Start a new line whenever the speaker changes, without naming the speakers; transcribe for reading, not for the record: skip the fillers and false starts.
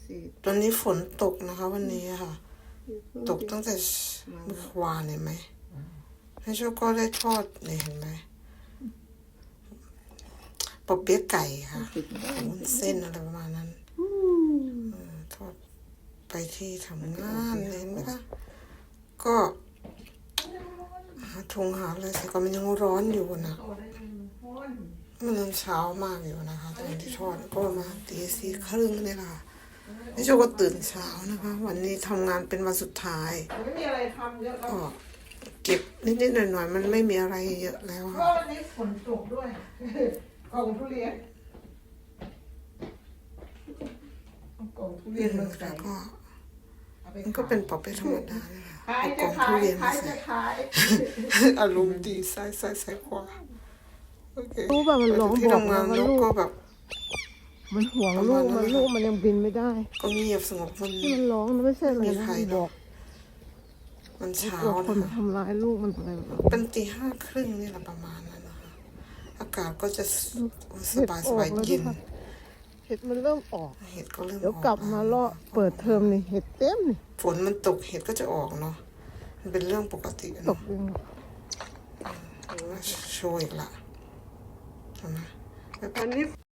ตอนนี้ฝนตกนะคะวันนี้ค่ะ ตกตั้งแต่เมื่อวานเห็นไหมให้โชคก็ได้ทอดเนี่ยเห็นไหมปอเปี๊ยะไก่ค่ะวุ้นเส้นอะไรประมาณนั้นทอดไปที่ทำงานเห็นไหมคะก็หาถุงหาอะไรใส่ก็มันยังร้อนอยู่นะมันยังเช้ามากอยู่นะคะตอนที่ทอดก็มาตี 4:30นี่แหละพี่โชก็ตื่นเช้านะคะ วันนี้ทำงานเป็นวันสุดท้าย
ไม่มีอะไรทำเยอะแล้ว
ก็เก็บนิดๆหน่อยๆมันไม่มีอะไรเยอะแล้ว
เพ
ค่ะ
ราะวันนี้ฝนตกด้วยกล่องทุเรียนกล่องทุเรียนมันใส่
แล้วก็มันก็เป็นปอบเปี๊ยะธรรมดาเนี่ยค่ะ
ขาย
เอากล่องทุ
จะขาย
เรียนมา
ขาย
ใส่
จะขาย
อารมณ์ดีใส่ขวาโอเค
รู้ป่ะมันร้อง
ที่
บอก
ทำงาน
ว่า
แล้ว
ลูก
ก็แบบ
มันห่วงลูกมันยังบินไม่ได้
ก็เงียบสงบมัน
ที่มันร้องนะไม่ใช่อะไร
มี
นะ
ใคร
มัน
หร
บ
อ
อก ก
มันเช้า
คน
นะ
มา
คะ
ทำร้ายลูกมันอะไรแบบ
เป็นตี 5:30นี่แหละประมาณนั้นนะคะอากาศก็จะสบายเย็น
เห็ดมันเริ่มออก
เห็ดก็เริ่ม
เดี๋ยว
ออก
กลับมาเลาะเปิดเทอมนี่เห็ดเต็มนี่
ฝนมันตกเห็ดก็จะออกเนาะมันเป็นเรื่องปกติ
ต
เนาะ
กยัง
โชว์อีกละเห็นไหม
อันนี้